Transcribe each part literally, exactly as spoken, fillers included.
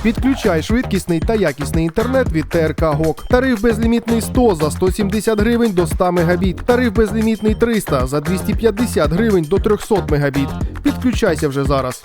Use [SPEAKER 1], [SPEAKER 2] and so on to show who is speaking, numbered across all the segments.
[SPEAKER 1] Підключай швидкісний та якісний інтернет від Т Р К ГОК. Тариф безлімітний сто за сто сімдесят гривень до ста мегабіт. Тариф безлімітний триста за двісті п'ятдесят гривень до трьохсот мегабіт. Підключайся вже зараз.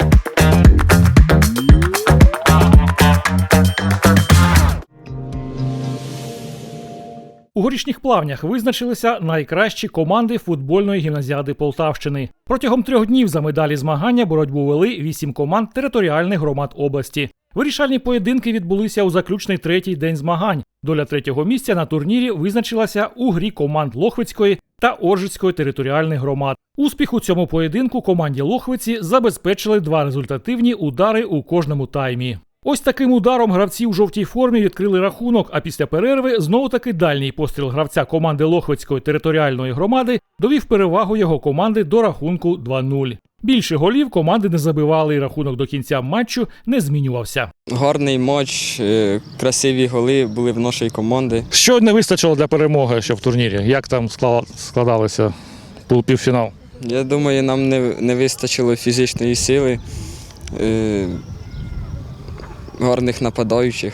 [SPEAKER 2] У Горішніх Плавнях визначилися найкращі команди футбольної гімназіади Полтавщини. Протягом трьох днів за медалі змагання боротьбу вели вісім команд територіальних громад області. Вирішальні поєдинки відбулися у заключний третій день змагань. Доля третього місця на турнірі визначилася у грі команд Лохвицької та Оржицької територіальних громад. Успіх у цьому поєдинку команді Лохвиці забезпечили два результативні удари у кожному таймі. Ось таким ударом гравці у жовтій формі відкрили рахунок, а після перерви знову-таки дальній постріл гравця команди Лохвицької територіальної громади довів перевагу його команди до рахунку два нуль. Більше голів команди не забивали, і рахунок до кінця матчу не змінювався.
[SPEAKER 3] Гарний матч, красиві голи були в нашій команді.
[SPEAKER 2] Що не вистачило для перемоги ще в турнірі? Як там складалося півфінал?
[SPEAKER 3] Я думаю, нам не, не вистачило фізичної сили, е, гарних нападаючих.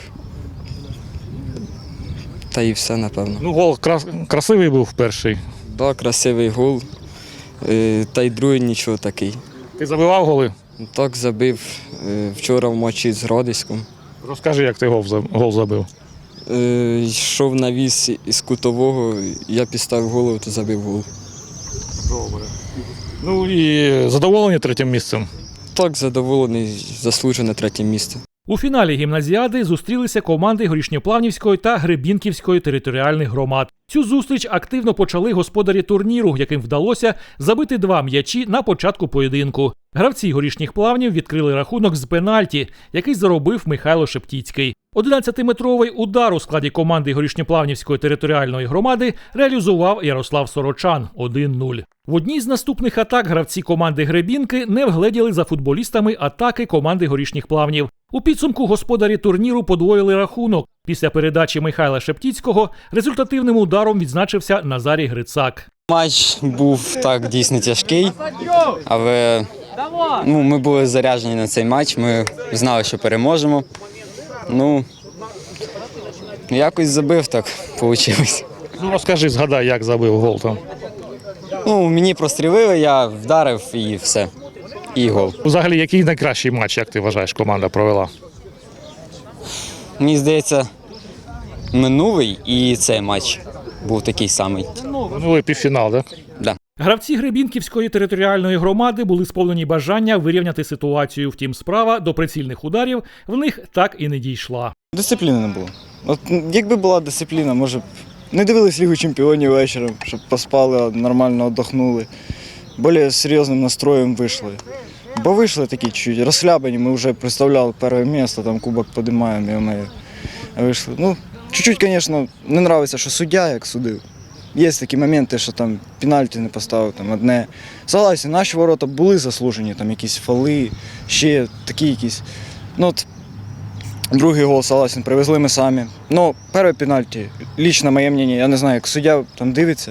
[SPEAKER 3] Та і все, напевно.
[SPEAKER 2] Ну, гол крас красивий був перший.
[SPEAKER 3] Так, да, красивий гол. Та й другий нічого такий.
[SPEAKER 2] Ти забивав голи?
[SPEAKER 3] Так, забив вчора в матчі з Градиськом.
[SPEAKER 2] Розкажи, як ти гол забив.
[SPEAKER 3] Йшов на віз із кутового, я підставив голову, то забив гол.
[SPEAKER 2] Добре. Ну і задоволені третім місцем?
[SPEAKER 3] Так, задоволений, заслужене третє місце.
[SPEAKER 2] У фіналі гімназіади зустрілися команди Горішньоплавнівської та Гребінківської територіальних громад. Цю зустріч активно почали господарі турніру, яким вдалося забити два м'ячі на початку поєдинку. Гравці Горішніх Плавнів відкрили рахунок з пенальті, який заробив Михайло Шептіцький. одинадцятиметровий удар у складі команди Горішньоплавнівської територіальної громади реалізував Ярослав Сорочан – один нуль. В одній з наступних атак гравці команди Гребінки не вгледіли за футболістами атаки команди Горішніх Плавнів. У підсумку господарі турніру подвоїли рахунок. Після передачі Михайла Шептіцького результативним ударом відзначився Назарій Грицак.
[SPEAKER 4] Матч був так дійсно тяжкий, але ну, ми були заряджені на цей матч, ми знали, що переможемо. Ну, якось забив, так вийшло.
[SPEAKER 2] Ну, розкажи, згадай, як забив гол там.
[SPEAKER 4] Ну, мені прострілили, я вдарив і все. І гол.
[SPEAKER 2] Взагалі, який найкращий матч, як ти вважаєш, команда провела?
[SPEAKER 4] Мені здається, минулий і цей матч був такий самий.
[SPEAKER 2] Минулий півфінал, так?
[SPEAKER 4] Да.
[SPEAKER 2] Гравці Гребінківської територіальної громади були сповнені бажання вирівняти ситуацію. Втім, справа до прицільних ударів в них так і не дійшла.
[SPEAKER 5] Дисципліни не було. От якби була дисципліна, може б не дивились Лігу чемпіонів вечором, щоб поспали, нормально віддохнули. Більш серйозним настроєм вийшли. Бо вийшли такі чуть розхлябані, ми вже представляли перше місце, там кубок підіймаємо, і ми вийшли. Ну, чуть-чуть, звісно, не подобається, що суддя як судив. Є такі моменти, що там пенальті не поставив, там одне. Согласен, наші ворота були заслужені, там якісь фоли, ще такі якісь. Ну, от, другий гол, согласен, привезли ми самі. Ну, перше пенальті, лично моє мнення, я не знаю, як суддя там дивиться,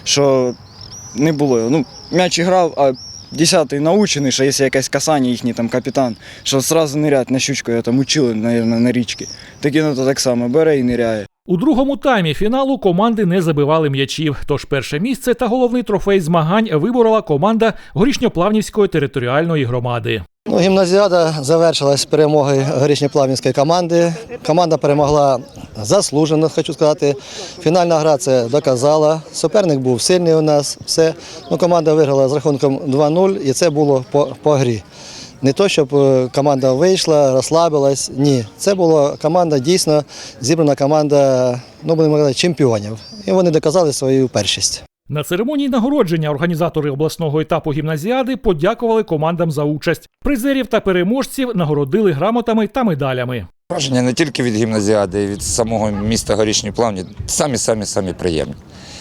[SPEAKER 5] що не було. Ну, м'яч грав, а десятий научений, що якщо якесь касання, їхній там капітан, що одразу нирять на щучку, я там учили, мабуть, на річці. Такі, ну, то так само бере і ниряє.
[SPEAKER 2] У другому таймі фіналу команди не забивали м'ячів, тож перше місце та головний трофей змагань виборола команда Горішньоплавнівської територіальної громади.
[SPEAKER 6] Ну, гімназіада завершилась перемогою Горішньоплавнівської команди. Команда перемогла заслужено, хочу сказати. Фінальна гра це доказала. Суперник був сильний у нас. Все. Ну, команда виграла з рахунком два нуль, і це було по, по грі. Не то, щоб команда вийшла, розслабилась, ні. Це була команда, дійсно зібрана команда, ну, будемо казати, чемпіонів. І вони доказали свою першість.
[SPEAKER 2] На церемонії нагородження організатори обласного етапу гімназіади подякували командам за участь. Призерів та переможців нагородили грамотами та медалями.
[SPEAKER 7] Враження не тільки від гімназіади, і від самого міста Горішні Плавні, самі-самі-самі приємні.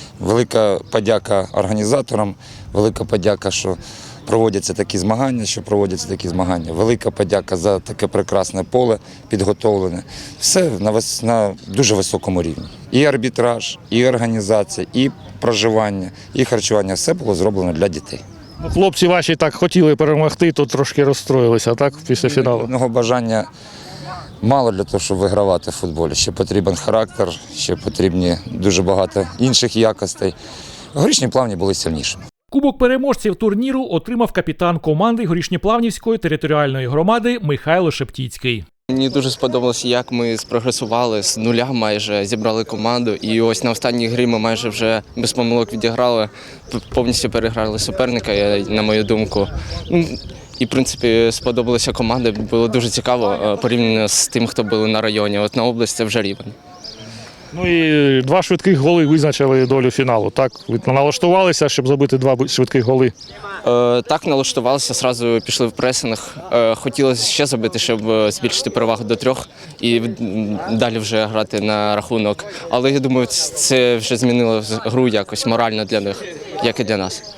[SPEAKER 7] Велика подяка організаторам, велика подяка, що проводяться такі змагання, що проводяться такі змагання. Велика подяка за таке прекрасне поле, підготовлене. Все на, вис... на дуже високому рівні. І арбітраж, і організація, і проживання, і харчування – все було зроблено для дітей.
[SPEAKER 2] Хлопці ваші так хотіли перемогти, то трошки розстроїлися, так, після фіналу?
[SPEAKER 7] Одного бажання мало для того, щоб вигравати в футболі. Ще потрібен характер, ще потрібні дуже багато інших якостей. Горішні Плавні були сильнішими.
[SPEAKER 2] Кубок переможців турніру отримав капітан команди Горішньоплавнівської територіальної громади Михайло Шептіцький.
[SPEAKER 8] Мені дуже сподобалося, як ми спрогресували з нуля, майже зібрали команду. І ось на останній грі ми майже вже без помилок відіграли, повністю переграли суперника, на мою думку. І, в принципі, сподобалася команда, було дуже цікаво порівняно з тим, хто були на районі. От на область це вже рівень.
[SPEAKER 9] Ну і два швидких голи визначили долю фіналу. Так, ви налаштувалися, щоб забити два швидких голи?
[SPEAKER 8] Е, так, налаштувалися, одразу пішли в пресинг. Е, хотілося ще забити, щоб збільшити перевагу до трьох і далі вже грати на рахунок. Але я думаю, це вже змінило гру якось морально для них, як і для нас.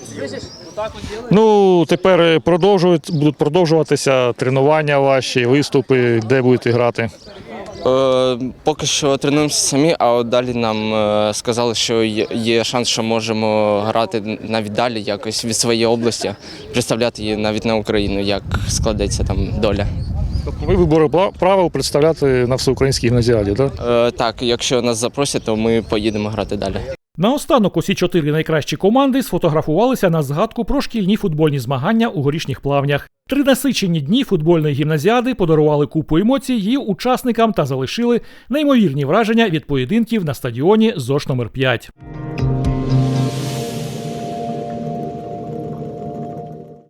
[SPEAKER 9] Ну, тепер продовжують, будуть продовжуватися тренування ваші, виступи, де будете грати?
[SPEAKER 8] Е, поки що тренуємося самі, а от далі нам е, сказали, що є, є шанс, що можемо грати навіть далі, якось від своєї області, представляти її навіть на Україну, як складеться там доля.
[SPEAKER 9] Тобто ви вибори правил представляти на всеукраїнській гімназіаді, так?
[SPEAKER 8] Е, так, якщо нас запросять, то ми поїдемо грати далі.
[SPEAKER 2] Наостанок усі чотири найкращі команди сфотографувалися на згадку про шкільні футбольні змагання у Горішніх Плавнях. Три насичені дні футбольної гімназіади подарували купу емоцій її учасникам та залишили неймовірні враження від поєдинків на стадіоні ЗОШ номер п'ять.